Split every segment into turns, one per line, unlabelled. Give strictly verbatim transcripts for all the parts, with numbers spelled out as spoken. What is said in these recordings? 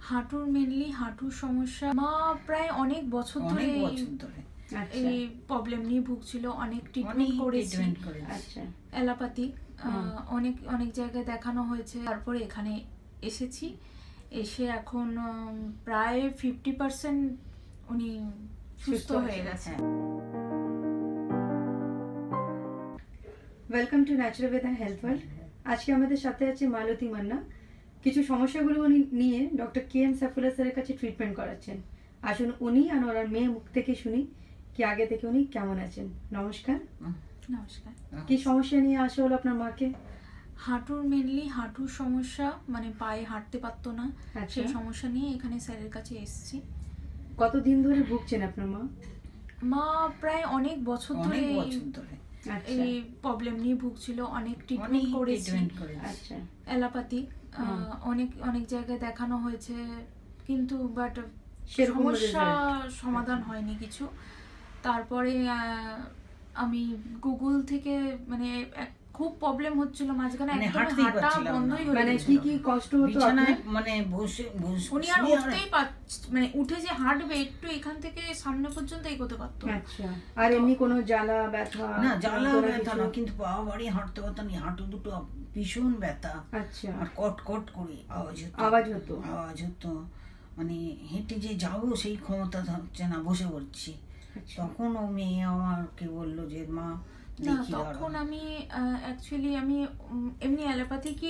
হাঁটুর মেনলি হাঁটুর সমস্যা। মা প্রায় অনেক বছর ধরে এই প্রবলেম নিয়ে ভুগছিল, অনেক ট্রিটমেন্ট করেছি, অ্যালোপ্যাথি অনেক অনেক জায়গায় দেখানো হয়েছে। তারপরে এখানে এসেছি, এসে এখন প্রায় ফিফটি পার্সেন্ট উনি সুস্থ হয়ে গেছে।
Welcome to Naturalved and health world. আজকে আমাদের সাথে আছে মালতী মান্না। কিছু সমস্যাগুলো উনি নিয়ে ডক্টর কে এম সাইফুল্লাহ স্যারের কাছে ট্রিটমেন্ট করাচ্ছেন। আসুন উনি আর ওনার মেয়ে মুখ থেকে শুনি কি আগে থেকে উনি কেমন আছেন। নমস্কার।
নমস্কার।
কি সমস্যা নিয়ে আসা হলো আপনার মাকে?
হাঁটুর মেনলি হাঁটুর সমস্যা, মানে পায়ে হাঁটতে পারতো না, সেই সমস্যা নিয়ে এখানে স্যারের কাছে এসেছি।
কতদিন ধরে ভুগছেন আপনার মা?
মা প্রায় অনেক বছর ধরে এই প্রবলেম নিয়ে ভুগছিল, অনেক ট্রিটমেন্ট করেছি, অ্যালোপ্যাথি অনেক অনেক জায়গায় দেখানো হয়েছে, কিন্তু বাট সমস্যা সমাধান হয়নি কিছু। তারপরে আমি গুগল থেকে মানে খুব প্রবলেম হচ্ছিল মাঝখানে, একদম হাঁটা বন্ধই হয়ে
মানে কি কি কষ্ট হতো
বিছানায়, মানে বসে
উনি আর উঠতেই পারছে, মানে উঠে যে হাঁটবে একটু এখান থেকে সামনে পর্যন্ত এগোতে পারতো।
আচ্ছা, আর এমনি কোনো জ্বালা ব্যথা?
না, জ্বালা ব্যথা না, কিন্তু পা বাড়ি হাঁটতে পারতাম না, হাঁটু দুটো ভীষণ ব্যথা।
আচ্ছা,
আর কট কট করে আওয়াজ হতো
আওয়াজ হতো
আওয়াজ হতো মানে হেঁটে যে যাবো সেই ক্ষমতা হচ্ছে না, বসে পড়ছি। তখন ও মেয়ে আমাকে বললো যে মা
না, তখন আমি অ্যাকচুয়ালি আমি এমনি অ্যালোপ্যাথি কি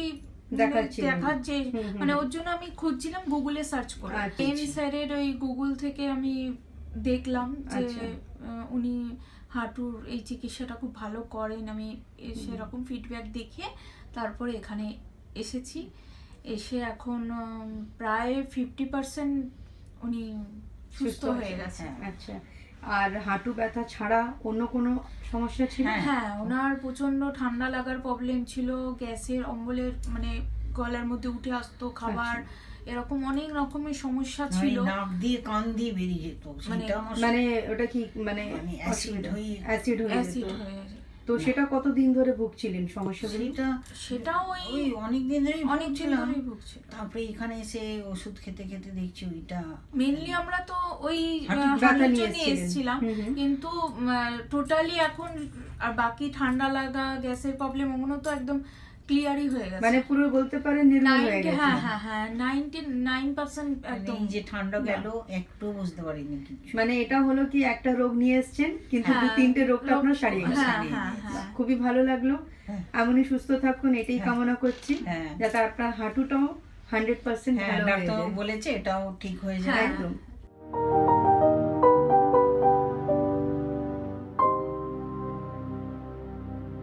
দেখার যে মানে ওর জন্য আমি খুঁজছিলাম, গুগলে সার্চ করে এম স্যারের ওই গুগল থেকে আমি দেখলাম যে উনি হাঁটুর এই চিকিৎসাটা খুব ভালো করেন। আমি সেরকম ফিডব্যাক দেখে তারপরে এখানে এসেছি, এসে এখন প্রায় ফিফটি পার্সেন্ট উনি সুস্থ হয়ে গেছে।
আচ্ছা, আর হাঁটু ব্যথা ছাড়া অন্য কোনো সমস্যা ছিল?
হ্যাঁ, ওনার প্রচন্ড ঠান্ডা লাগার প্রবলেম ছিল, গ্যাসের অম্বলের মানে গলার মধ্যে উঠে আসতো খাবার, এরকম অনেক রকমের সমস্যা ছিল।
নাক দিয়ে কান দিয়ে বেরিয়ে যেত,
মানে ওটা কি মানে
অ্যাসিড হয়ে
অ্যাসিড হয়ে
অ্যাসিড হয়ে যেত।
তো সেটা কতদিন ধরে ভুগছিলেন সমস্যাগুলো?
সেটা
সেটা ওই
অনেক দিন ধরেই
অনেক দিন ধরেই ভুগছিল।
তারপরে এখানে এসে ওষুধ খেতে খেতে দেখছি ওইটা
মেইনলি আমরা তো ওই হাঁটুর জন্য এসেছিলাম, কিন্তু টোটালি এখন আর বাকি ঠান্ডা লাগা, গ্যাসের প্রবলেম ওগুলো তো একদম ক্লিয়ারই হয়ে গেছে,
মানে পুরো বলতে পারেন নির্মূল হয়ে গেছে।
হ্যাঁ হ্যাঁ হ্যাঁ নাইনটি-নাইন পার্সেন্ট একদম।
যে ঠান্ডা গেল একটু বুঝতে পারিনি কিছু।
মানে এটা হলো কি একটা রোগ নিয়ে এসেছেন, কিন্তু দু তিনটে রোগটা আপনার সারিয়ে গেছে। খুবই ভালো লাগলো। এমনই সুস্থ থাকুন, এটাই কামনা করছি, যাতে আপনার হাঁটুটাও হান্ড্রেড পার্সেন্ট ভালো হয়ে যায়।
ডাক্তার বলেছে এটাও ঠিক হয়ে যায়।
একদম।